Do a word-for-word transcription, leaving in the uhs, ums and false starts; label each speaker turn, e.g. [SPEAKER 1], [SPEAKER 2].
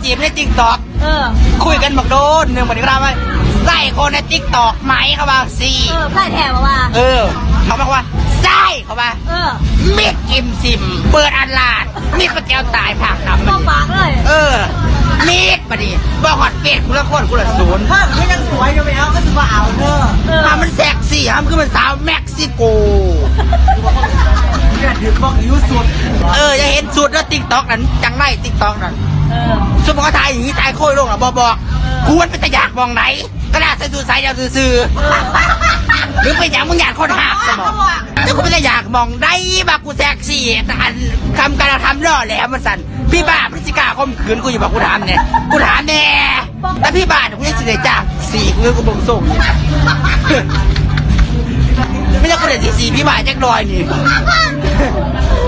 [SPEAKER 1] จีบในติ๊กต็อก
[SPEAKER 2] เออ
[SPEAKER 1] คุยกันบอกโดนหนึ่งวันนี้ก็ได้ไหมไส้คนในติ๊กต็อกไหมเขาว่าสี่
[SPEAKER 2] เออไส้แถวว่า
[SPEAKER 1] เออเขาบอกว่าไส้เขาว่า
[SPEAKER 2] เออ
[SPEAKER 1] มิดกิมซิมเปิดอันลาดมิดปะแก้วตายผักทำมัน
[SPEAKER 2] ปากเลย
[SPEAKER 1] เออมิดปะดิบอกหอดเป็ดกูละคนกูละศูนย์
[SPEAKER 3] ถ้าไม่ยังสวยอยู่แล้วก็ถือว่าเอาเนอะ
[SPEAKER 1] ถ้ามันแซ็กซี่ฮะมันคือมันสาวเม็กซิโก
[SPEAKER 3] เนี่ยถือบอกอายุสุด
[SPEAKER 1] เออจะเห็นสุดแล้วติ๊กต็อกนั้นจังไรติ๊กต็อกนั้น
[SPEAKER 2] เออ
[SPEAKER 1] สมมติว่าถ่ายอย่างนี้ถ่ายโค้ยลงอ่ะบอกบอกควรเป็นตะอยากมองไหนก็ได้ใส่ดูใส่ยาวซื่อหรือไปอยากมึงอยากคนหักสมองแล้วกูไม่ได้อยากมองได้บักกูแซ็กซี่แต่อันทำการทำล่อแหลมมันสั่นพี่บ้าพฤติกาข่มขืนกูอยู่บอกกูถามเนี่ยกูถามแน่แต่พี่บ้ากูยังสิได้จ้าสี่กูกูบ่งส่งไม่ใช่กูเด็ดสี่สี่พี่บ้าแจ็คดอยนี่